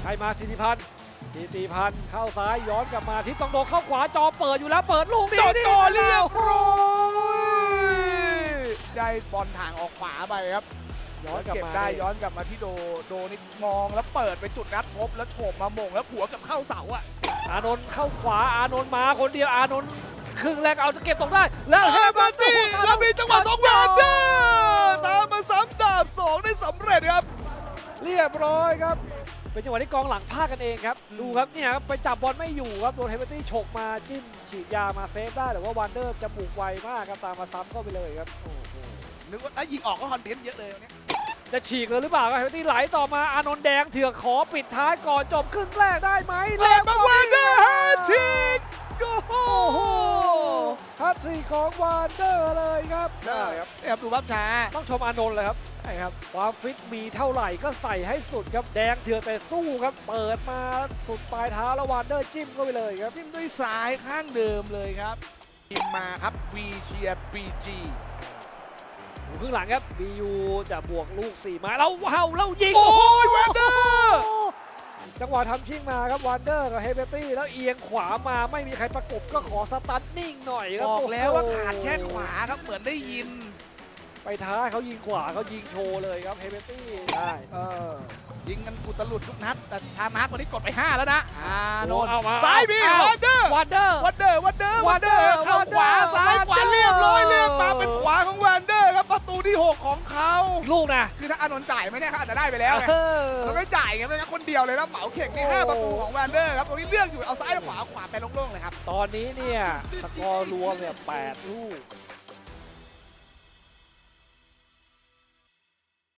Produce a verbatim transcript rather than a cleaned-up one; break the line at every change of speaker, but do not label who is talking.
ให้มาสิทธิพันธ์สิทธิพันธ์เข้าซ้ายย้อนกลับมาที่ต้องโดเข้าขวาจอเปิดอยู่แล้วเปิดลูกนี้
จอด
นี่
ต่อเรียบร้อยได้บอลทางออกขวาไปครับ
ย้อนกลับ
เก็บ
มา
ได้ย้อนกลับมาที่โดโดนี่มองแล้วเปิดไปจุดนัดพบแล้วโฉบมาหม่งแล้วหัวกับเข้าเสาอ่ะ
อานนท์เข้าขวาอานนท์มาคนเดียวอานนท์ครึ่งแรกเอาจะเก็บตรงได้แล้วเฮเบอร์ตี้
แล้วมีจังหวะสองแวนเดอร์ตามมาซ้ำดาบสองได้สำเร็จครับ
เรียบร้อยครับเป็นจังหวะที่กองหลังพลาดกันเองครับ
อืม
ดูครับเนี่ยครับไปจับบอลไม่อยู่ครับโดนเฮเบอร์ตี้ฉกมาจิ้มฉีดยามาเซฟได้แต่ว่าวันเดอร์จะบุกไวมากครับตามมาซ้ำเข้าไปเลยครับโอ้โห
นึกว่าถ้ายิงออกก็คอนเทนต์เยอะเลยวันนี้
จะฉีกเลยหรือเปล่าครับเฮเบอร์ตี้ไหลต่อมาอานนท์แดงเถือกขอปิดท้ายก่อนจบครึ่งแรกได้ไหม
เปิดมาวันเดอร์แฮตทริกโอ้โห
โอ้โหฮัตสีของวันเดอร์เลยครับ
ได้ครับแอบดูภาพช้า
ต้องชมอานนท์เลยครับ
ใช่ครับ
ความฟิตมีเท่าไหร่ก็ใส่ให้สุดครับแดงเถือกแต่สู้ครับเปิดมาสุดปลายเท้าแล้ววันเดอร์จิ้มเข้าไปเลยครับ
จิ้มด้วยซ้ายข้างเดิมเลยครับทีมมาครับวีเชียบีจี
อยู่ครึ่งหลังครับ บี ยู จะบวกลูกสี่ไม้แล้วเฮาแล้วยิง
โอ้ยวันเดอร์
จังหวะทำชิ่งมาครับวันเดอร์กับเฮเบอร์ตี้แล้วเอียงขวามาไม่มีใครประกบก็ขอสตันนิ่งหน่อยครับ
บอกแล้ว
โโห
ว่าขาดแค่ขวาครับเหมือนได้ยิน
ไปท้าเขายิงขวาเขายิงโชว์เลยครับเฮเบอร์ตี้ได้
เออยิงกันอุตลุดทุกนัดแต่ทามาร์กวันนี้กดไปห้าแล้วนะอ่าโนน
เอามา
ซ้ายมี
เอ
วันเดอร์
วันเดอร์
วันเดอร์วันเดอร์วันเดอ
Wander
ร์เข้าขวา
Wander
ซ้ายขวา
Wander
เรียบร้อยเลือกมาเป็นขวาของวันเดอร์ครับประตูที่หกของเขา
ลูกนะ
คือถ้าอานนท์จ่ายไหมเนี่ยเขาอาจจะได้ไปแล้วไง
เออ
เราไม่จ่ายไงไม่งั้นคนเดียวเลยนะเหมาเข่งนี่ห้า
โอ้
ประตูของวันเดอร์ครับตรงนี้เลือกอยู่เอาซ้ายขวาขวาไปโล่งๆเลยครับ
ตอนนี้เนี่ยสกอร์รวมเนี่ยแปดลูก